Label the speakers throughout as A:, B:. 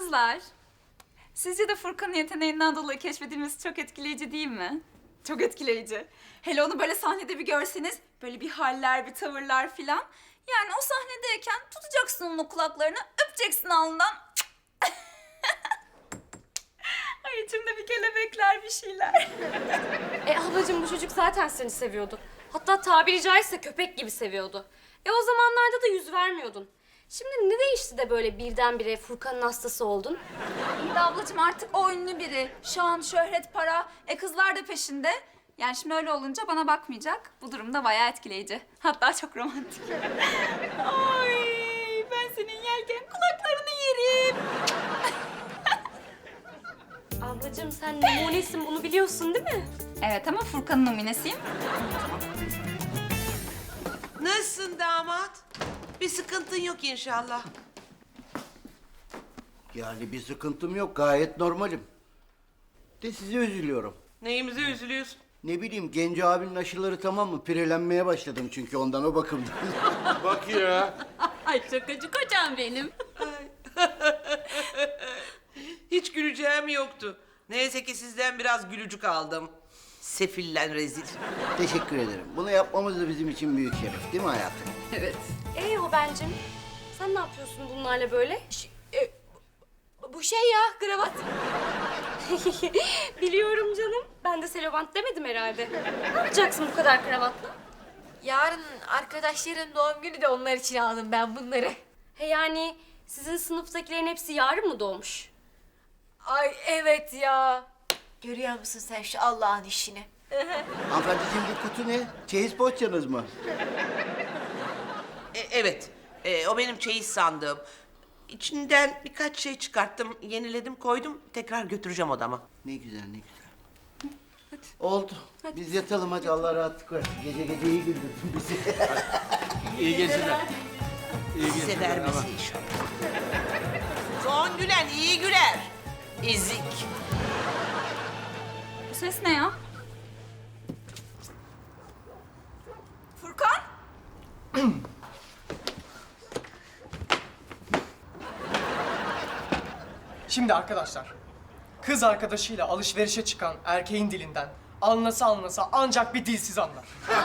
A: kızlar. Sizce de Furkan'ın yeteneğinden dolayı keşfedilmesi çok etkileyici değil mi? Çok etkileyici. Hele onu böyle sahnede bir görseniz, böyle bir haller, bir tavırlar filan. Yani o sahnedeyken tutacaksın onun kulaklarını, öpeceksin alnından. Ay içimde bir kelebekler, bir şeyler.
B: Ablacığım bu çocuk zaten seni seviyordu. Hatta tabiri caizse köpek gibi seviyordu. O zamanlarda da yüz vermiyordun. Şimdi ne değişti de böyle birdenbire Furkan'ın hastası oldun?
A: İyi de ablacığım artık o ünlü biri. Şan, şöhret, para. Kızlar da peşinde. Yani şimdi öyle olunca bana bakmayacak. Bu durum da bayağı etkileyici. Hatta çok romantik. Ay ben senin yerken kulaklarını yerim.
B: Ablacığım sen numunesin bunu biliyorsun değil mi?
A: Evet ama Furkan'ın numunesiyim.
C: Nasılsın damat? Bir sıkıntın yok inşallah.
D: Yani bir sıkıntım yok, gayet normalim. De size üzülüyorum.
C: Neyimize üzülüyorsun?
D: Ne bileyim, Genco abinin aşıları tamam mı? Pirelenmeye başladım çünkü ondan, o bakımdan.
E: Bak ya.
A: Ay şakacı kocam benim.
C: Hiç güleceğim yoktu. Neyse ki sizden biraz gülücük aldım. Sefillen rezil.
D: Teşekkür ederim. Bunu yapmamız da bizim için büyük şeref, değil mi hayatım?
A: Evet.
B: O bencim. Sen ne yapıyorsun bunlarla böyle?
F: Bu şey ya, kravat.
B: Biliyorum canım. Ben de selobant demedim herhalde. Ne yapacaksın bu kadar kravatla?
F: Yarın arkadaşların doğum günü de onlar için aldım ben bunları.
B: Yani sizin sınıftakilerin hepsi yarın mı doğmuş?
F: Ay evet ya. Görüyor musun sen şu Allah'ın işini?
D: Hanımefendiciğim, bu kutu ne? Çeyiz poğaçanız mı?
C: Evet, o benim çeyiz sandığım. İçinden birkaç şey çıkarttım, yeniledim, koydum. Tekrar götüreceğim odama.
D: Ne güzel, ne güzel. Oldu. Biz yatalım hadi, Allah rahatlık versin. Gece gece iyi güldürdün bizi.
E: İyi geceler. İyi
C: Size
E: geceler.
C: vermesin inşallah. Son gülen iyi güler. Ezik.
A: Bu ses ne ya? Furkan?
G: Şimdi arkadaşlar, kız arkadaşıyla alışverişe çıkan erkeğin dilinden anlasa ancak bir dilsiz anlar.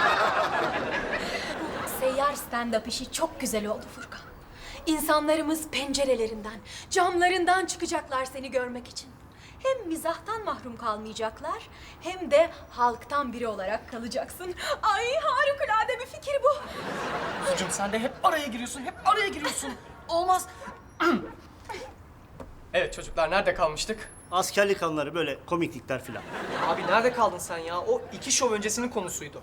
F: Seyyar stand-up işi çok güzel oldu Furkan. İnsanlarımız pencerelerinden, camlarından çıkacaklar seni görmek için. Hem mizahtan mahrum kalmayacaklar, hem de halktan biri olarak kalacaksın. Ay harikulade bir fikir bu.
G: Sucum sen de hep araya giriyorsun. Olmaz. Evet çocuklar, nerede kalmıştık?
H: Askerlik anıları, böyle komiklikler filan.
G: Abi nerede kaldın sen ya? O 2 şov öncesinin konusuydu.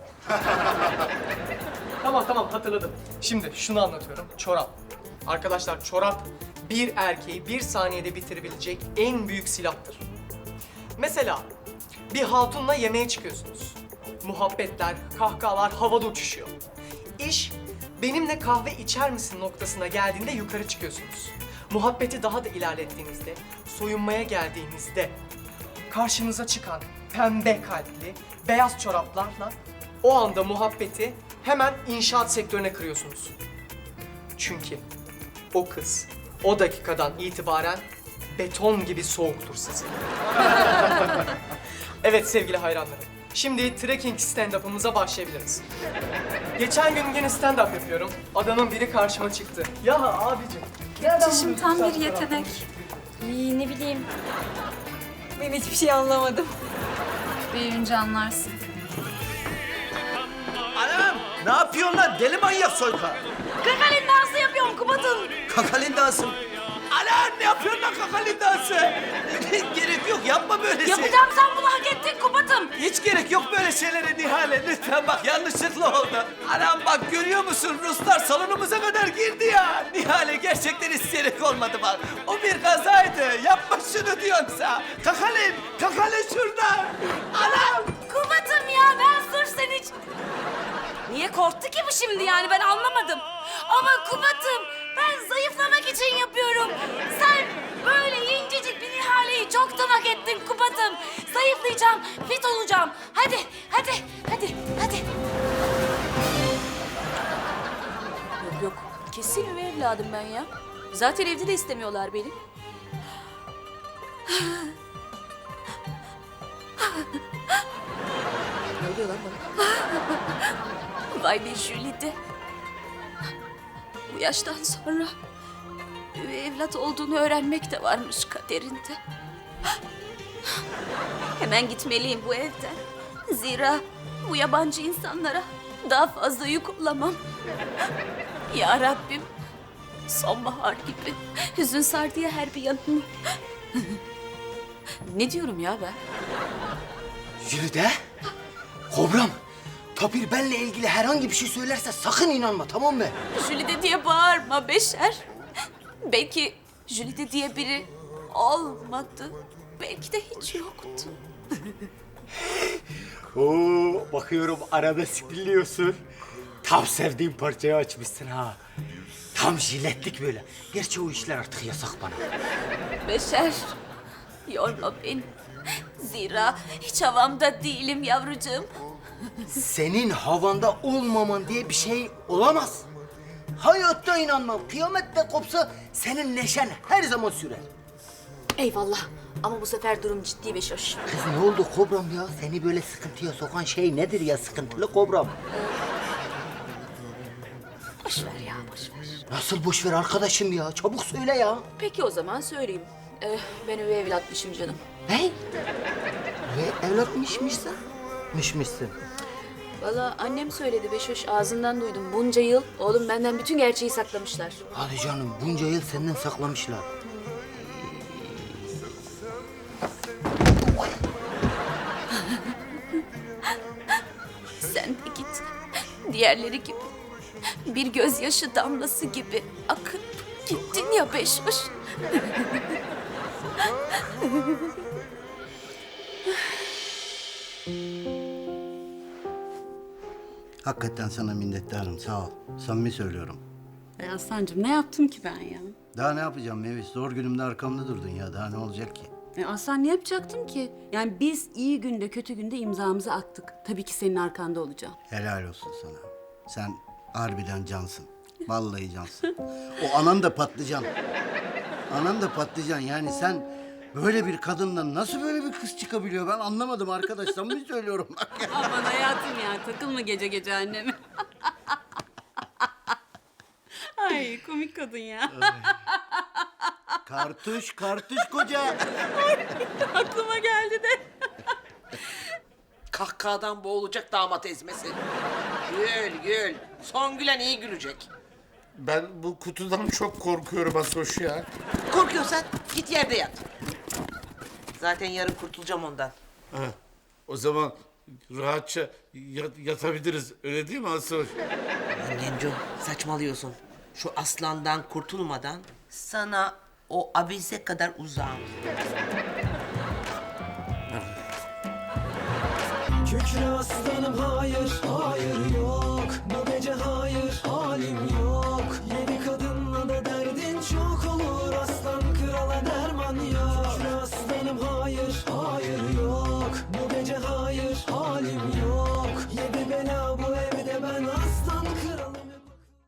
G: Tamam hatırladım. Şimdi şunu anlatıyorum. Çorap. Arkadaşlar çorap bir erkeği bir saniyede bitirebilecek en büyük silahtır. Mesela bir hatunla yemeğe çıkıyorsunuz. Muhabbetler, kahkahalar havada uçuşuyor. İş benimle kahve içer misin noktasına geldiğinde yukarı çıkıyorsunuz. Muhabbeti daha da ilerlettiğinizde, soyunmaya geldiğinizde karşınıza çıkan pembe kalpli, beyaz çoraplarla o anda muhabbeti hemen inşaat sektörüne kırıyorsunuz. Çünkü o kız o dakikadan itibaren beton gibi soğuktur size. Evet sevgili hayranlarım, şimdi trekking stand-up'ımıza başlayabiliriz. Geçen gün yine stand-up yapıyorum. Adamın biri karşıma çıktı. Ya abicim.
A: Çişim tam bir yetenek.
B: İyi ne bileyim.
F: Ben hiçbir şey anlamadım.
A: Büyüyünce anlarsın.
H: Anam! Ne yapıyorsun lan? Deli manyak soyka!
F: Kakalin dansı yapıyorum Kubat'ım.
H: Kakalin dansı mı? Anam ne yapıyorsun lan kakalin dansı? Gerek yok, yapma böyle şey.
F: Yapacağım, sen bunu hak ettin Kubat'ım.
H: Hiç gerek yok böyle şeylere Nihale. Lütfen bak, yanlışlıkla oldu. Anam bak, görüyor musun? Ruslar salonumuza kadar girdi ya. Nihale gerçekten isteyerek olmadı bak. O bir kazaydı. Yapma şunu diyorsa. Kakalin şurada. Anam!
F: Kubat'ım ya, ben sırf seni hiç... Niye korktu ki bu şimdi yani, ben anlamadım. Ama Kubat'ım, ben zayıflamak için yapıyorum. Sen böyle incecik bir Nihale'yi çoktan hak ettin Kubat'ım. Zayıflayacağım, fit olacağım. Hadi. Yok, kesin üvey evladım ben ya. Zaten evde de istemiyorlar beni. Ne oluyor lan bana? Vay be Jülide. Bu yaştan sonra üvey evlat olduğunu öğrenmek de varmış kaderinde. Hemen gitmeliyim bu evden. Zira bu yabancı insanlara daha fazla yük olamam. Ya Rabbim, sonbahar gibi hüzün sardı ya her bir yanımı. Ne diyorum ya ben?
D: Jülide, Kobram, Tapir benle ilgili herhangi bir şey söylerse sakın inanma, tamam mı?
F: Jülide diye bağırma Beşer. Belki Jülide diye biri olmadı. Belki de hiç yoktu.
I: Oo, bakıyorum arabesk dinliyorsun. Tam sevdiğim parçayı açmışsın ha. Tam jiletlik böyle. Gerçi o işler artık yasak bana.
F: Beşer, yorma beni. Zira hiç havamda değilim yavrucuğum.
D: Senin havanda olmaman diye bir şey olamaz. Hayatta inanmam. Kıyamette kopsa senin neşen her zaman sürer.
F: Eyvallah. Ama bu sefer durum ciddi Beşoş.
D: Kız ne oldu Kobram ya? Seni böyle sıkıntıya sokan şey nedir ya sıkıntılı Kobram?
F: Boş ver ya, boş ver.
D: Nasıl boş ver arkadaşım ya? Çabuk söyle ya.
F: Peki o zaman söyleyeyim. Ben üvey evlatmışım canım.
D: Ne? Ve evlatmışmışsın? Mışmışsın.
F: Vallahi annem söyledi Beşoş, ağzından duydum. Bunca yıl oğlum benden bütün gerçeği saklamışlar.
D: Hadi canım bunca yıl senden saklamışlar.
F: Sen de git. Diğerleri gibi. Bir gözyaşı damlası gibi akıp gittin ya Beşoş.
D: Hakikaten sana minnettarım sağ ol. Samimi söylüyorum.
J: Aslancığım ne yaptım ki ben ya?
D: Daha ne yapacağım Mevis? Zor günümde arkamda durdun ya. Daha ne olacak ki?
J: Aslan ne yapacaktım ki? Yani biz iyi günde kötü günde imzamızı attık. Tabii ki senin arkanda olacağım.
D: Helal olsun sana. Sen harbiden cansın. Vallahi cansın. O anan da patlıcan. Anan da patlıcan. Yani sen böyle bir kadından nasıl böyle bir kız çıkabiliyor? Ben anlamadım arkadaş. Samimi söylüyorum bak ya.
J: Aman hayatım ya takılma gece gece anneme. Ay komik kadın ya.
D: Kartuş koca.
J: Aklıma geldi de.
C: Kahkahadan boğulacak damat ezmesi. Gül. Son gülen iyi gülecek.
E: Ben bu kutudan çok korkuyorum Asoş ya.
C: Korkuyorsan git yerde yat. Zaten yarın kurtulacağım ondan.
E: Ha, o zaman rahatça yatabiliriz. Öyle değil mi Asoş?
C: Lan Genco saçmalıyorsun. Şu aslandan kurtulmadan sana o abize kadar uzağım.
K: Kükre aslanım hayır, hayır yok. Bu gece hayır, halim yok. Yedi kadınla da derdin çok olur. Aslan krala derman yok. Kükre aslanım hayır, hayır